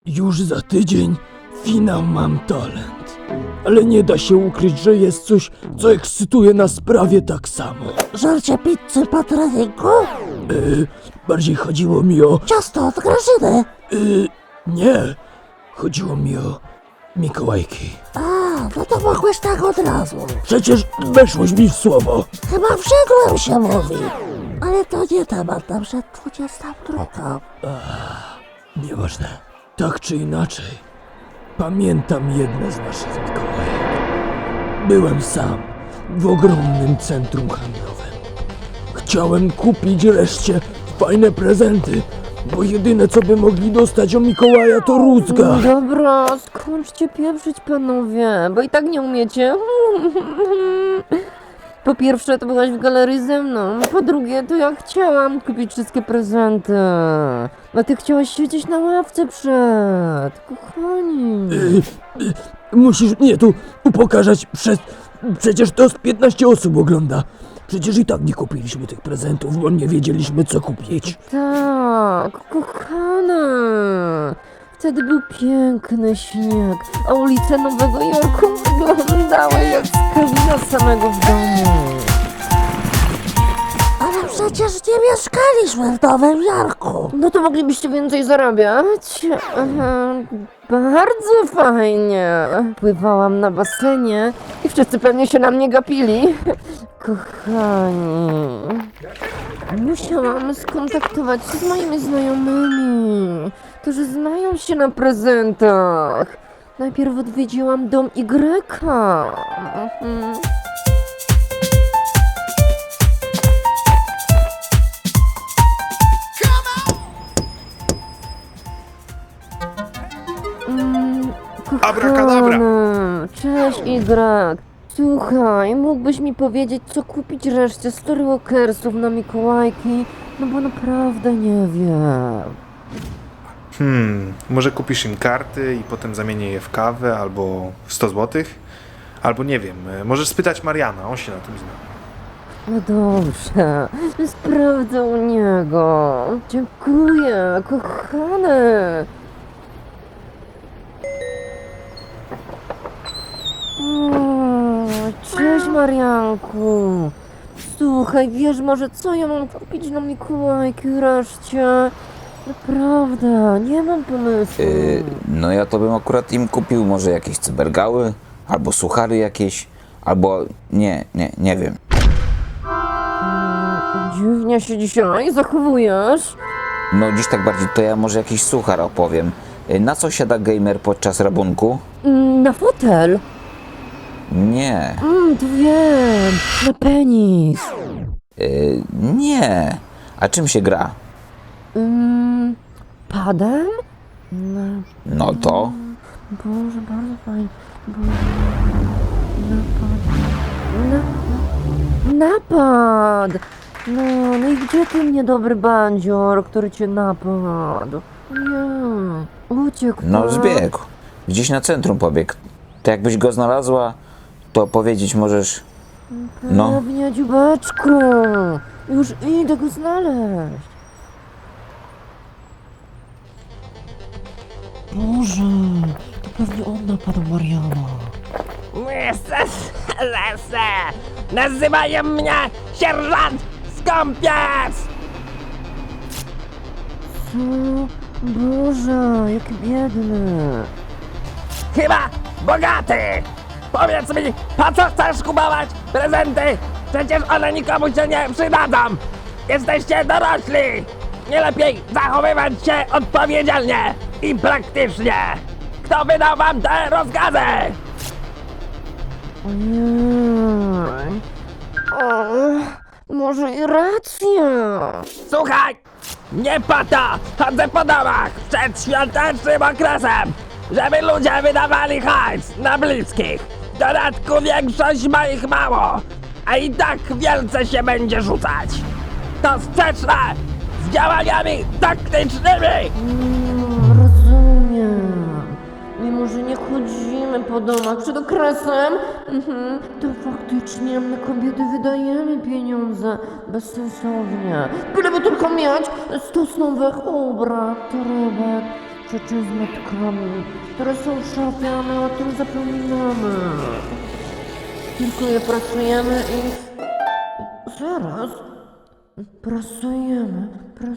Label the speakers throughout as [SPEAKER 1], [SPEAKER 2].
[SPEAKER 1] Już za tydzień finał Mam Talent. Ale nie da się ukryć, że jest coś, co ekscytuje nas prawie tak samo.
[SPEAKER 2] Żarcie pizzy po treningu?
[SPEAKER 1] Bardziej chodziło mi o...
[SPEAKER 2] Ciasto od Grażyny.
[SPEAKER 1] Nie. Chodziło mi o Mikołajki.
[SPEAKER 2] A, no to mogłeś tak od razu.
[SPEAKER 1] Przecież weszłoś mi w słowo.
[SPEAKER 2] Chyba wszedłem się mówi. Ale to nie temat na przed 22.
[SPEAKER 1] Nieważne. Tak czy inaczej, pamiętam jedne z naszych Mikołajek. Byłem sam w ogromnym centrum handlowym. Chciałem kupić reszcie fajne prezenty, bo jedyne co by mogli dostać o Mikołaja to rózga.
[SPEAKER 3] Dobra, skończcie pieprzyć panowie, bo i tak nie umiecie. Po pierwsze to byłaś w galerii ze mną, po drugie to ja chciałam kupić wszystkie prezenty. A ty chciałaś siedzieć na ławce przed, kochani.
[SPEAKER 1] Musisz mnie tu upokarzać Przecież to z 15 osób ogląda. Przecież i tak nie kupiliśmy tych prezentów, bo nie wiedzieliśmy co kupić.
[SPEAKER 3] Tak, kochana. Wtedy był piękny śnieg, a ulice Nowego Jorku wyglądały jak z kabina samego w domu.
[SPEAKER 2] Ale przecież nie mieszkaliśmy w Nowym Jorku.
[SPEAKER 3] No to moglibyście więcej zarabiać. Bardzo fajnie. Pływałam na basenie i wszyscy pewnie się na mnie gapili. Kochani, musiałam skontaktować się z moimi znajomymi, którzy znają się na prezentach. Najpierw odwiedziłam dom Y.
[SPEAKER 4] Abracadabra.
[SPEAKER 3] Cześć Y. Słuchaj, mógłbyś mi powiedzieć, co kupić reszcie Storywalkersów na Mikołajki? No bo naprawdę nie wiem.
[SPEAKER 4] Może kupisz im karty i potem zamienię je w kawę albo w 100 złotych? Albo nie wiem, możesz spytać Mariana, on się na tym zna.
[SPEAKER 3] No dobrze, sprawdzę u niego. Dziękuję, kochany. Cześć Marianku. Słuchaj, wiesz może co ja mam kupić na Mikołajki wreszcie? Naprawdę, nie mam pomysłu.
[SPEAKER 5] No ja to bym akurat im kupił może jakieś cybergały, albo suchary jakieś, albo nie wiem.
[SPEAKER 3] Dziwnie się dzisiaj zachowujesz.
[SPEAKER 5] No dziś tak bardziej to ja może jakiś suchar opowiem. Na co siada gamer podczas rabunku?
[SPEAKER 3] Na fotel.
[SPEAKER 5] Nie,
[SPEAKER 3] To wiem, na penis.
[SPEAKER 5] nie. A czym się gra?
[SPEAKER 3] Padem?
[SPEAKER 5] No to?
[SPEAKER 3] Boże, bardzo fajnie. Napad! No i gdzie ten niedobry bandzior, który cię napadł? Nie, uciekł.
[SPEAKER 5] No
[SPEAKER 3] tak?
[SPEAKER 5] zbiegł. Gdzieś na centrum pobiegł. To jakbyś go znalazła, to powiedzieć możesz... No,
[SPEAKER 3] Pewnie, dziubeczku. Już idę go znaleźć. Boże, to pewnie on napadł Mariana.
[SPEAKER 6] Nazywają mnie sierżant Skąpiec!
[SPEAKER 3] Co? Boże, jaki biedny.
[SPEAKER 6] Chyba bogaty! Powiedz mi, po co chcesz kupować prezenty? Przecież one nikomu się nie przydadzą! Jesteście dorośli! Nie lepiej zachowywać się odpowiedzialnie i praktycznie! Kto wydał wam te rozkazy?
[SPEAKER 3] Ojej. Może i racja.
[SPEAKER 6] Słuchaj! Nie po to chodzę po domach przed świątecznym okresem, żeby ludzie wydawali hajs na bliskich. W dodatku większość ma ich mało, a i tak wielce się będzie rzucać. To sprzeczne z działaniami taktycznymi!
[SPEAKER 3] Rozumiem. Mimo, że nie chodzimy po domach przed okresem, to faktycznie my kobiety wydajemy pieniądze bezsensownie. Byleby tylko mieć 100 nowych ubrań, torebek, rzeczy z matkami, które są w szafie, a my o tym zapominamy. Tylko je prasujemy i... Zaraz. Prasujemy.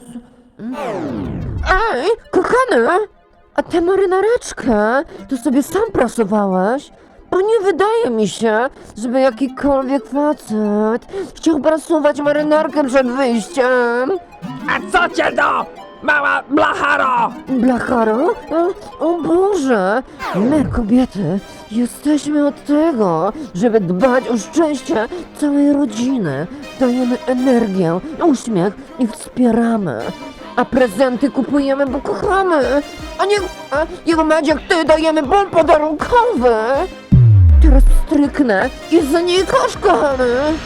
[SPEAKER 3] Ej, kochany! A tę marynareczkę to sobie sam prasowałeś? Bo nie wydaje mi się, żeby jakikolwiek facet chciał prasować marynarkę przed wyjściem.
[SPEAKER 6] A co cię do, mała blacharo?
[SPEAKER 3] Blacharo? O Boże! My, kobiety, jesteśmy od tego, żeby dbać o szczęście całej rodziny. Dajemy energię, uśmiech i wspieramy. A prezenty kupujemy, bo kochamy. A nie mać jak ty dajemy bon podarunkowy. Teraz stryknę i znikasz, kochany.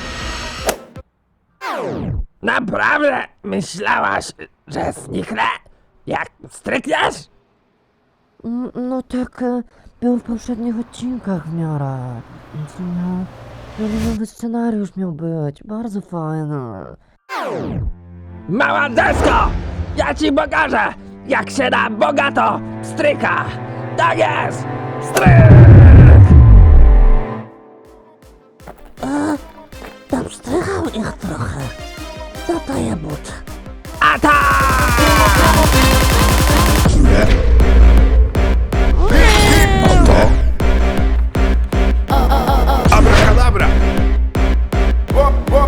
[SPEAKER 6] Naprawdę myślałaś, że zniknę? Jak strykniesz?
[SPEAKER 3] No tak, był w poprzednich odcinkach w miarę. Więc nowy scenariusz miał być, bardzo fajny.
[SPEAKER 6] Mała desko! Ja ci pokażę, jak się da bogato stryka! Tak jest! Stryk!
[SPEAKER 2] Napstrychał ich trochę. Dodaję but.
[SPEAKER 6] Atak!
[SPEAKER 4] Abracadabra! Łop, łop!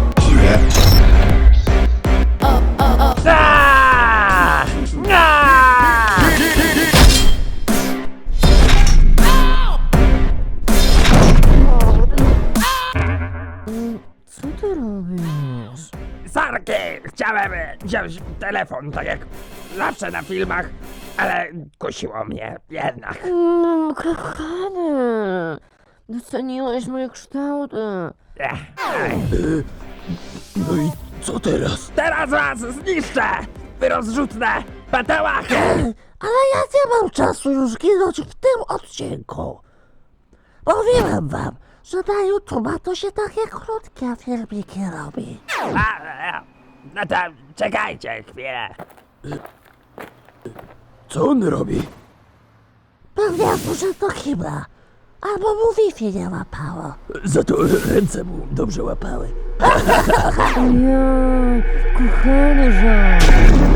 [SPEAKER 6] Aaa! Aaa!
[SPEAKER 3] Co ty robisz?
[SPEAKER 6] Sarki! Chciałem wziąć telefon, tak jak zawsze na filmach, ale kusiło mnie jednak.
[SPEAKER 3] Kochany, doceniłeś moje kształty.
[SPEAKER 1] No i co teraz?
[SPEAKER 6] Teraz was zniszczę! Wy rozrzutne patałachy!
[SPEAKER 2] Ale ja nie mam czasu już ginąć w tym odcinku. Mówiłem wam, że na YouTube'a to się takie krótkie filmiki robi.
[SPEAKER 6] No to czekajcie chwilę.
[SPEAKER 1] Co on robi?
[SPEAKER 2] Pewnie poszedł do kibla. Albo mu Wi-Fi nie łapało.
[SPEAKER 1] Za to ręce mu dobrze łapały.
[SPEAKER 3] Ojej, kochany żart.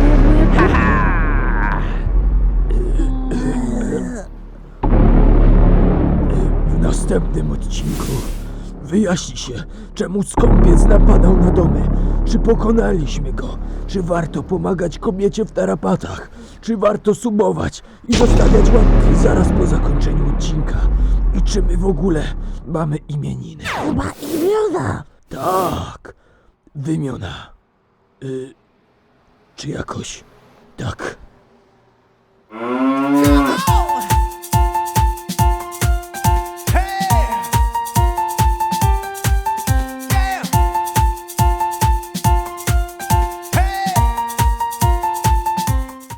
[SPEAKER 1] W następnym odcinku wyjaśni się, czemu skąpiec napadał na domy. Czy pokonaliśmy go? Czy warto pomagać kobiecie w tarapatach? Czy warto subować i zostawiać łapki zaraz po zakończeniu odcinka? I czy my w ogóle mamy imieniny?
[SPEAKER 2] Chyba imiona.
[SPEAKER 1] Tak, wymiona. Czy jakoś tak.